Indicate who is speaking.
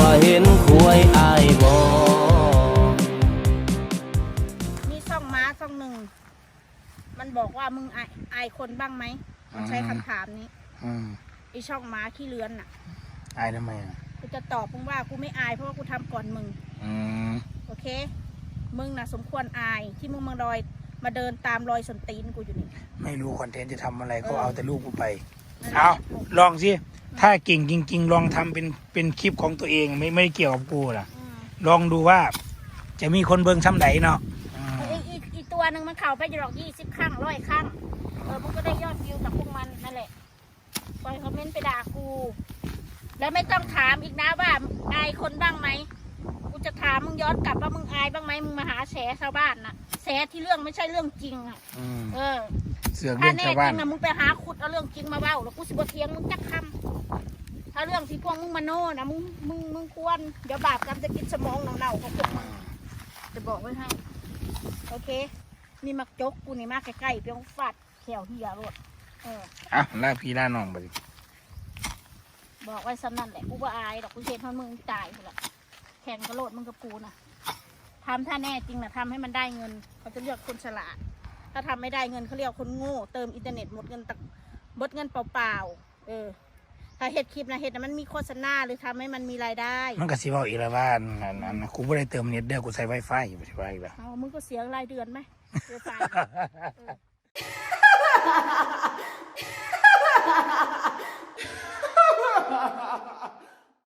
Speaker 1: ว่าเห็นควายอายบ่
Speaker 2: มีช่องม้าช่องหนึ่งมันบอกว่ามึงอายคนบ้างไหมมันใช้คำถามนี้ไอช่องม้าขี้เลือนน่ะ
Speaker 3: อายทำไมอ่ะ
Speaker 2: กูจะตอบมึงว่ากูไม่อายเพราะว่ากูทำก่อนมึงโอเคมึงน่ะสมควรอายที่มึงมาเดินตามรอยส้นตีนกูอยู่นี่
Speaker 3: ไม่รู้คอนเทนต์จะทำอะไรก็เอาแต่ลูกกูไปเอาลองสิถ้าเก่งจริงๆลองทำเป็นคลิปของตัวเองไม่เกี่ยวกับกูล่ะลองดูว่าจะมีคนเบิ่งซ้ำไหนเนาะ
Speaker 2: อีตัวหนึ่งมันเข่าไปจะหรอก20 ครั้ง100 ครั้งมึงก็ได้ยอดวิวกับพวกมันนั่นแหละปล่อยคอมเมนต์ไปด่ากูแล้วไม่ต้องถามอีกนะว่าอายคนบ้างไหมกูจะถามมึงย้อนกลับว่ามึงอายบ้างไหมมึงมาหาแฉชาวบ้านน่ะแฉที่เรื่องไม่ใช่เรื่องจริงอ่ะ
Speaker 3: เสือกเรื่องชาวบ้าน
Speaker 2: ถ้าแน่จริงนะมึงไปหาขุดเอาเรื่องจริงมาเว้าแล้วกูสิบ่เถียงมึงจักคำถ้าเรื่องที่พวกมึงมาโน่นะมึงควรเดี๋ยวบาปกรรมจะกินสมองเน่าๆของพวกมึงจะบอกไว้ให้โอเคนี่มักจกกูนี่มากใกล้ๆเพียงฟาดแขวเหี่ยรถ
Speaker 3: ล่าพี่ล่าน้องไป
Speaker 2: บอกไว้ซ้ำนั่นแหละกูว่าอายดอกกูเช็ดให้มึงตายหมดละแข่งกระโดดมึงกับกูนะทำถ้าแน่จริงนะทำให้มันได้เงินเขาจะเลือกคนฉลาดถ้าทำไม่ได้เงินเขาเรียกคนโง่เติมอินเทอร์เน็ตหมดเงินเปล่าถ้าเห็ดคลิปนะเห็ดนะมันมีโฆษณาหรือทำให้มันมีรายได้
Speaker 3: มันก็สิบอกอีกแล้วว่ากูไม่ได้เติมเน็ตเด้อกูใช้ไวไฟอยู่ใช่ไหมล่ะ
Speaker 2: มึงก็เสียรายเดือนไหมเสียไฟ